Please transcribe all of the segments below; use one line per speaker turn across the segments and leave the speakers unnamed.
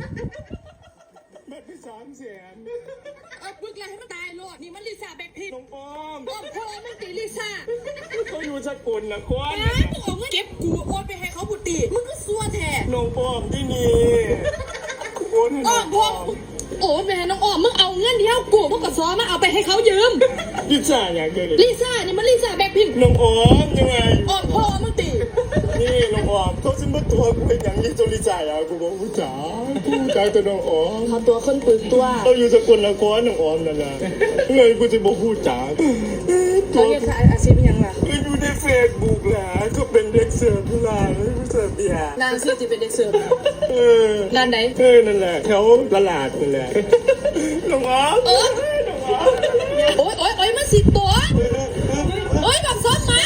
บัตรไป300,000
เอาปึกแล้วให้มันตายโลดนี่มันลิซ่าแบ็คพิงค์
น้องปอม
อ้อมพ่อมันตีลิซ่า
เขาอยู่สกุลนะควัน
มึงเอาเงินเก็บกูโอนไปให้เขาบุตรีมึงก็ซัวแท้
น้องปอมที่นี่โอนให้น้
อ้
อ
อง ม
ป
พ่อ
อม
โอ้แม่น้องอ้อมมึงเอาเงินที่เขากูมึงก็ซ้อมาเอาไปให้เขายืม
ลิซ่าอย่างเดียวเลย
ลิซ่านี่มันลิซ่าแบ็คพิงค์
น้องออมยังไง
อ้อมพ่อมึงตี
นี่น้องออมเขาจะมาตัวกูเป็นอย่างนี้ตัวลิซ่าอ่ะกูบอกกูจ๋าตัวน้องออม
เขาตัวคนปึกตัว
เขาอยู่สกุลนครน้องออมนั่นแหละเงยกูจะบอกกูจ๋าตั
เขา
ว
เรียกอาชีพยังล่ะ
ก็อยู่ในเฟซบุ๊กแหละก็เป็นเด็กเสิร์ฟทุลาเสิร์ฟเบียร์
นางชื่อจะเป็นเด็กเสิร์ฟ
เออ
ร้านไหน
นั่นแหละแถวตลาดนั่นแหละน้องออม
โอ๊ยมันสิตัวโอ๊ยแบบซ้อมไม้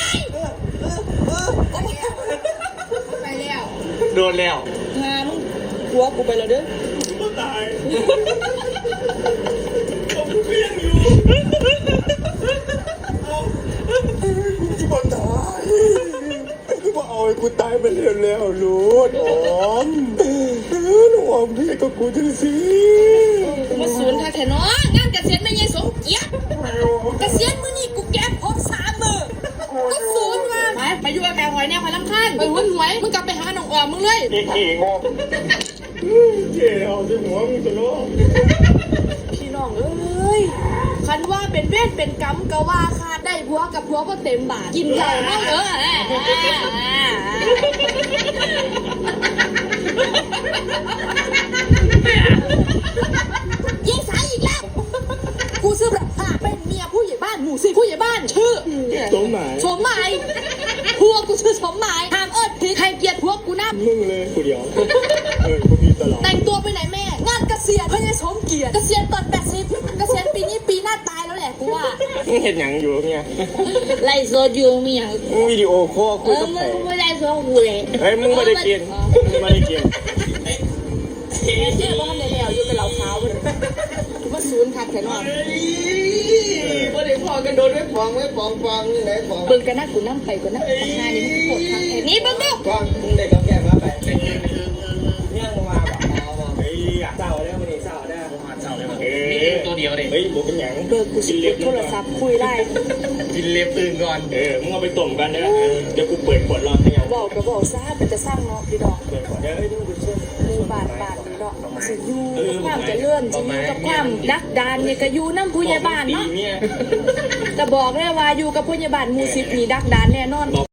ไปแล้ว
โดนแล้ว
งานหัวกูไปแล้วเด้อ
ก็ตายผมก็ยังอยู่กูจะบอกตายกูบอกเอาไอ้กูตายไปแล้วลูกออมน้องออมพี่ก็กูจะสิ
มาศูนย์ค่ะแค่น้องงานเกษียณไม่ยังสมเกียรติเกษียณมื้อนี้กูแก้พบ3 มื้อก็ศูนย์มาไปอยู่กับแม่หอยเนี่ยหอยลำคันไปหุ้นหวยมึงกลับไปหาน้องออมมึงเลย
อีกงงเจ๋อเอาที่หัวมึงจะล้ม
พี่น้องเอ้ยคันว่าเป็นเวทเป็นกรรมก็ว่าค่ะได้ผัวกับผัวก็เต็มบาทกินเหล้าเมายิงสายอีกแล้วกูซื้อแบบเป็นเมียผู้ใหญ่บ้านหมู่4ผู้ใหญ่บ้านชื่อ
สมหมาย
สมหมายพวกกูชื่อสมหมายห้ามเอิดผิดให้เกียรติพวกกูนะ
มึงเลยกูเดียวกูพี่ตลอด
แต่งตัวไปไหนแม่ งานเกษียณเพื่อสมเกียรติเกษียณตอน80เกษียณปีนี้ปีหน้าตายแล้วแหละกูว่า
มึงเห็นหยังอยู่เนี่ย
ไล่โซยูมีอย่าง
มึงวิดีโอคอลคุยกับใคร
ไม่ได้โซกูเลย
เฮ้ยมึงไม่ได้กินมึงไม่ได้กิน
เจ๊ว่าทำในแถวอยู่เป็นเหล่าขาวเลยว่าศูนย์ขาดแขนนอน
ไม่ได้พอกันโดนไว้ฟองนี่ไหนฟอง
เบิ่งกันนะกูนั่งไปกูนั่งทำงานนี่มึงปวดทางแขนนี่เบิ่งดู
ฟองมึงได้กับแก้มาไปเนี่ยมึงมาแบบเอาเฮ้ยเศร้าได้วันนี้เศร้าได้ผมหาเศร้าได้วันนี้ตัวเดียวเลย
เฮ้ยบุกเป็นหยัง
เบิกกูสิเปิดโทรศัพท์คุยได้
กินเล็บตื่นก่อน
มึงเอาไปต้มกันนะเดี๋ยวกูเปิดขวดรอให้ยัง
บอกก็บอกซะเป็นจะสร้างเนาะพี่ดอก
เปิดขวดเดี๋ยวให้ดูกูช่วย
มือบาดพี่ดอกสิอยู่กับความเจะเลื่อนสิอยู่กับความดักดานเนี่ยก็อยู่น้ำผู้ใหญ่บ้านเนาะ
เนี่ย
แต่บอกเลยว่าอยู่กับผู้ใหญ่บ้านหมู่10นี่ดักดานแน่นอน